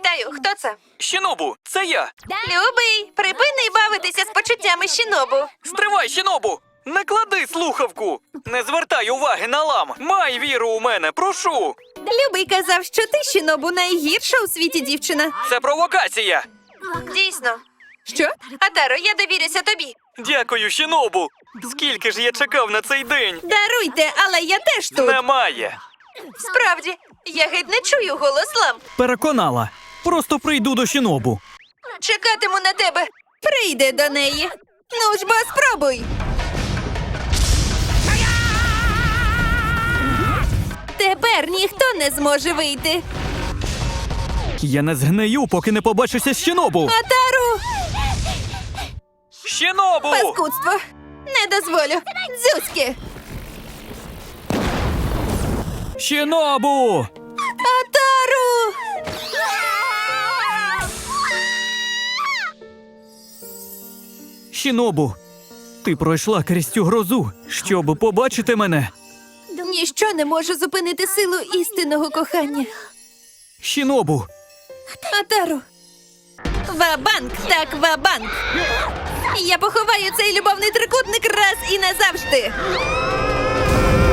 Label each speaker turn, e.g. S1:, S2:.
S1: Вітаю, хто це?
S2: Щінобу, це я.
S1: Любий, припини бавитися з почуттями Щінобу.
S2: Стривай, Щінобу! Не клади слухавку! Не звертай уваги на лам! Май віру у мене, прошу!
S1: Любий казав, що ти, Щінобу, найгірша у світі дівчина.
S2: Це провокація!
S1: Дійсно. Що? Атаро, я довірюся тобі.
S2: Дякую, Щінобу! Скільки ж я чекав на цей день?
S1: Даруйте, але я теж тут.
S2: Немає!
S1: Справді, я геть не чую голос лам.
S3: Переконала. Просто прийду до Щінобу.
S1: Чекатиму на тебе. Прийди до неї. Ну ж бо спробуй. Тепер ніхто не зможе вийти.
S3: Я не згнию, поки не побачуся з Щінобу.
S1: Атару!
S2: Щінобу!
S1: Паскудство! Не дозволю! Дзюськи!
S3: Щінобу!
S1: Атару!
S3: Щінобу, ти пройшла крізь цю грозу, щоб побачити мене.
S1: Ніщо не може зупинити силу істинного кохання.
S3: Щінобу,
S1: Атару! Ва-банк, так ва-банк! Я поховаю цей любовний трикутник раз і назавжди!